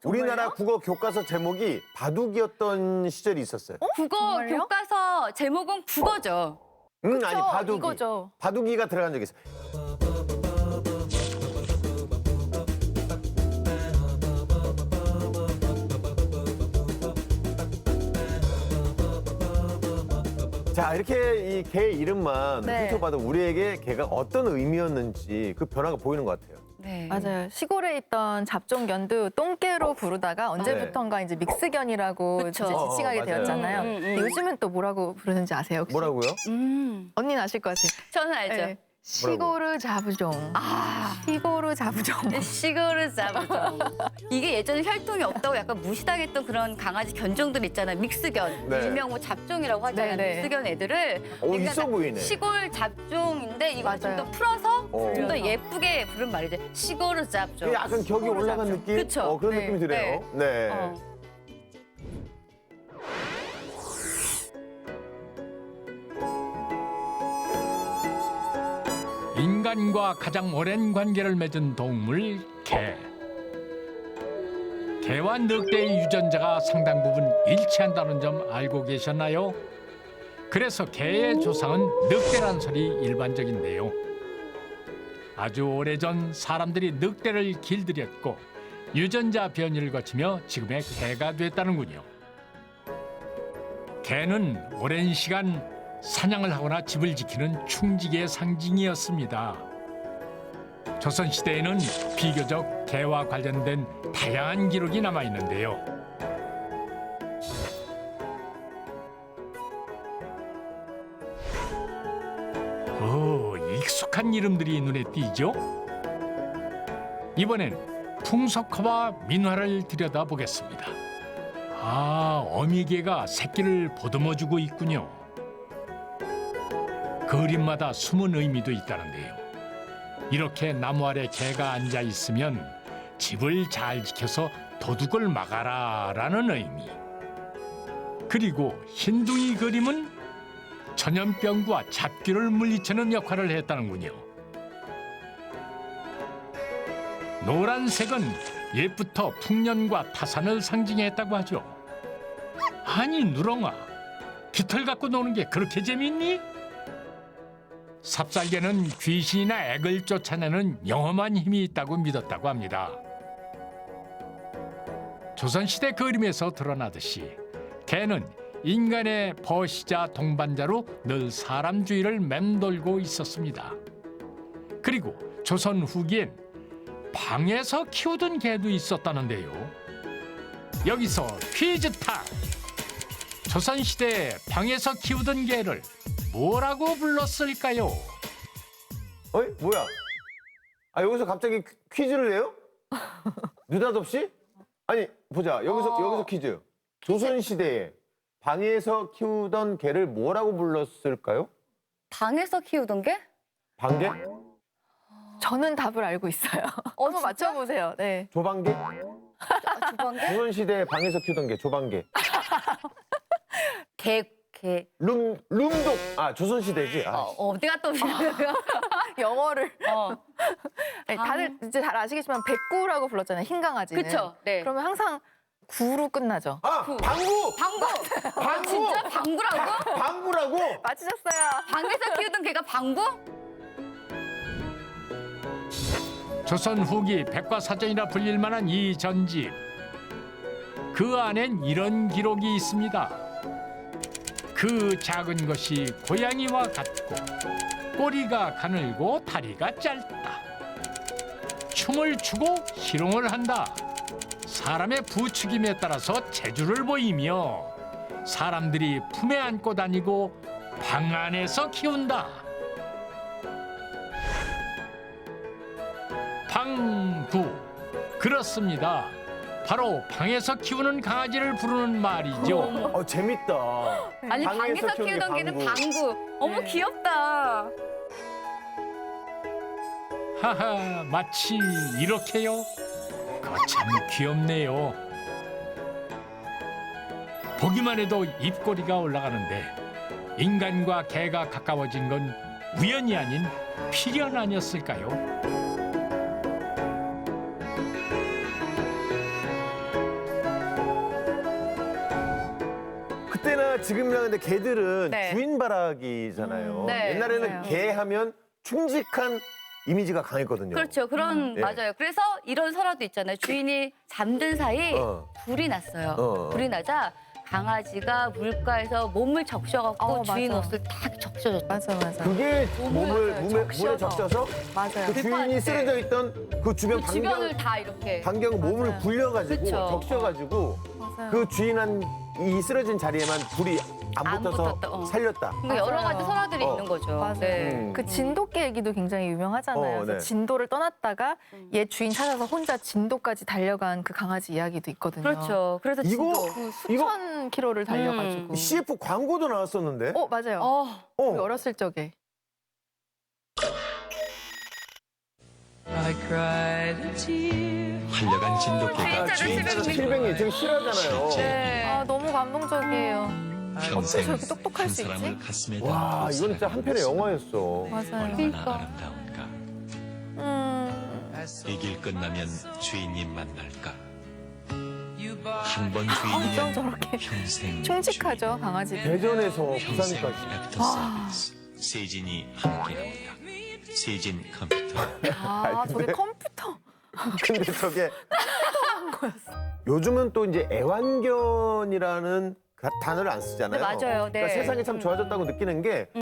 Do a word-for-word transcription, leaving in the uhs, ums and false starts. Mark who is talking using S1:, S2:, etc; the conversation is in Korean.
S1: 우리나라 국어 교과서 제목이 바둑이었던 시절이 있었어요.
S2: 국어
S3: 정말요?
S2: 교과서 제목은 국어죠.
S1: 응,
S3: 그쵸,
S1: 아니 바둑이.
S3: 이거죠.
S1: 바둑이가 들어간 적이 있어요. 자, 이렇게 이 개 이름만
S3: 네.
S1: 훑어봐도 우리에게 개가 어떤 의미였는지 그 변화가 보이는 것 같아요.
S2: 네.
S3: 맞아요. 시골에 있던 잡종견도 똥개로 부르다가 언제부턴가 이제 믹스견이라고
S2: 그쵸.
S3: 이제 지칭하게
S1: 어, 어, 맞아요.
S3: 되었잖아요.
S2: 음, 음, 음.
S3: 근데 요즘은 또 뭐라고 부르는지 아세요? 혹시?
S1: 뭐라고요?
S2: 음.
S3: 언니는 아실 것 같아요.
S2: 저는 알죠.
S3: 네. 시골을 잡종.
S2: 아.
S3: 시골을 잡종.
S2: 시골을 잡으죠. 이게 예전에 혈통이 없다고 약간 무시당했던 그런 강아지 견종들 있잖아요. 믹스견.
S1: 네.
S2: 일명 뭐 잡종이라고 하잖아요.
S3: 네, 네.
S2: 믹스견 애들을.
S1: 오,
S2: 그러니까
S1: 있어 보이네.
S2: 시골 잡종인데 이걸 좀 더
S3: 맞아요.
S2: 풀어서
S1: 어.
S2: 좀 더 예쁘게 부른 말이죠. 시골을 잡종.
S1: 이게 약간 격이 올라간
S3: 잡죠.
S1: 느낌?
S2: 그쵸.
S1: 어, 그런
S3: 네.
S1: 느낌이 드네요. 네.
S2: 어.
S4: 인간과 가장 오랜 관계를 맺은 동물 개. 개와 늑대의 유전자가 상당 부분 일치한다는 점 알고 계셨나요? 그래서 개의 조상은 늑대란 설이 일반적인데요. 아주 오래전 사람들이 늑대를 길들였고 유전자 변이를 거치며 지금의 개가 됐다는군요. 개는 오랜 시간 사냥을 하거나 집을 지키는 충직의 상징이었습니다. 조선시대에는 비교적 개와 관련된 다양한 기록이 남아있는데요. 오, 익숙한 이름들이 눈에 띄죠? 이번엔 풍속화와 민화를 들여다보겠습니다. 아, 어미개가 새끼를 보듬어주고 있군요. 그림마다 숨은 의미도 있다는데요. 이렇게 나무 아래 개가 앉아 있으면 집을 잘 지켜서 도둑을 막아라라는 의미. 그리고 흰둥이 그림은 전염병과 잡귀를 물리치는 역할을 했다는군요. 노란색은 옛부터 풍년과 타산을 상징했다고 하죠. 아니 누렁아, 깃털 갖고 노는 게 그렇게 재밌니? 삽살개는 귀신이나 액을 쫓아내는 영험한 힘이 있다고 믿었다고 합니다. 조선시대 그림에서 드러나듯이 개는 인간의 버시자 동반자로 늘 사람 주위를 맴돌고 있었습니다. 그리고 조선 후기엔 방에서 키우던 개도 있었다는데요. 여기서 퀴즈 타임! 조선시대에 방에서 키우던 개를 뭐라고 불렀을까요?
S1: 어이? 뭐야? 아, 여기서 갑자기 퀴- 퀴즈를 내요? 느닷없이? 아니, 보자. 여기서,
S2: 어.
S1: 여기서 퀴즈. 조선시대에 방에서 키우던 개를 뭐라고 불렀을까요?
S2: 방에서 키우던 게?
S1: 방개?
S3: 저는 답을 알고 있어요.
S2: 어,
S3: 한번
S2: 진짜?
S3: 맞춰보세요. 네.
S1: 조방개?
S2: 아, 주방개?
S1: 조선시대에 방에서 키우던 개, 조방개.
S2: 개, 개.
S1: 룸, 룸독. 아, 조선시대지. 아,
S2: 어, 어디가 또
S3: 영어를.
S2: 어.
S3: 네,
S2: 방-
S3: 다들 이제 잘 아시겠지만 백구라고 불렀잖아요. 흰 강아지는.
S2: 그쵸? 네.
S3: 그러면 항상 구로 끝나죠.
S1: 아
S2: 그-
S1: 방구!
S2: 방구! 아,
S1: 방구!
S2: 진짜 방구라고?
S1: 방구라고?
S3: 맞히셨어요.
S2: 방에서 키우던 개가 방구?
S4: 조선 후기 백과사전이라 불릴 만한 이 전집. 그 안엔 이런 기록이 있습니다. 그 작은 것이 고양이와 같고 꼬리가 가늘고 다리가 짧다. 춤을 추고 희롱을 한다. 사람의 부추김에 따라서 재주를 보이며 사람들이 품에 안고 다니고 방 안에서 키운다. 방구. 그렇습니다. 바로 방에서 키우는 강아지를 부르는 말이죠.
S1: 어, 재밌다.
S2: 아니
S1: 방에서
S2: 방에서
S1: 키우는 게
S2: 키우던 개는
S1: 방구.
S2: 방구. 어머
S3: 네.
S2: 귀엽다.
S4: 하하, 마치 이렇게요. 그거 참 귀엽네요. 보기만 해도 입꼬리가 올라가는데 인간과 개가 가까워진 건 우연이 아닌 필연 아니었을까요?
S1: 그러니까 지금이랑 근데 개들은
S2: 네.
S1: 주인 바라기잖아요.
S2: 음, 네,
S1: 옛날에는
S3: 맞아요.
S1: 개 하면 충직한 이미지가 강했거든요.
S2: 그렇죠. 그런
S1: 예.
S2: 맞아요. 그래서 이런 설화도 있잖아요. 주인이 잠든 사이
S1: 어.
S2: 불이 났어요.
S1: 어.
S2: 불이 나자 강아지가 물가에서 몸을 적셔갖고
S3: 어,
S2: 주인
S3: 맞아.
S2: 옷을 딱 적셔줬다.
S3: 맞아, 맞아.
S1: 그게 몸을
S3: 맞아요.
S1: 몸에, 물에
S3: 적셔서.
S1: 적셔서
S3: 맞아요.
S1: 그 주인이 쓰러져 있던 그 주변
S2: 그
S1: 반경
S2: 주변을 다 이렇게.
S1: 반경 몸을
S3: 맞아요.
S1: 굴려가지고
S2: 그쵸.
S1: 적셔가지고
S3: 맞아요.
S1: 그 주인한 이 쓰러진 자리에만 불이 안
S2: 안
S1: 붙어서
S2: 붙었다, 어.
S1: 살렸다.
S2: 그러니까 여러
S3: 맞아요.
S2: 가지 설화들이
S1: 어.
S2: 있는 거죠.
S3: 맞아요.
S2: 네.
S1: 음.
S3: 그 진돗개 얘기도 굉장히 유명하잖아요.
S1: 어,
S3: 그래서
S1: 네.
S3: 진도를 떠났다가
S2: 음.
S3: 얘 주인 찾아서 혼자 진도까지 달려간 그 강아지 이야기도 있거든요.
S2: 그렇죠. 그래서
S1: 이거
S2: 진도.
S3: 그
S1: 이거
S3: 수천 킬로를 달려가지고.
S1: 씨에프 광고도 나왔었는데.
S3: 어 맞아요.
S2: 어,
S1: 어.
S3: 우리 어렸을 적에.
S5: I cried a tear.
S6: 한려간 진돗개가
S2: 진짜로
S6: 주인
S2: 칠백
S6: 찾아
S1: 칠백이 되게 싫어하잖아요.
S2: 네.
S3: 아 너무 감동적이에요.
S6: 평생
S3: 저렇게 똑똑할
S6: 한
S3: 수
S6: 사람을
S3: 있지?
S6: 가슴에
S1: 와,
S6: 담고
S1: 이건 진짜 한편의 영화였어.
S3: 맞아요.
S6: 얼마나
S2: 그러니까.
S6: 아름다운가.
S3: 음.
S6: 이 길 끝나면 주인님 만날까. 한 번
S3: 어쩜
S6: 주인이면
S3: 저렇게
S6: 평생
S3: 충직하죠 강아지들.
S1: 대전에서
S6: 평생
S1: 부산까지.
S6: 애프터 서비스. 세진이 함께합니다. 세진 컴퓨터.
S3: 아 저게 컴퓨터.
S1: 근데 저게 요즘은 또 이제 애완견이라는 가- 단어를 안 쓰잖아요.
S2: 네, 맞아요. 네.
S1: 그러니까 세상이 참 좋아졌다고 느끼는 게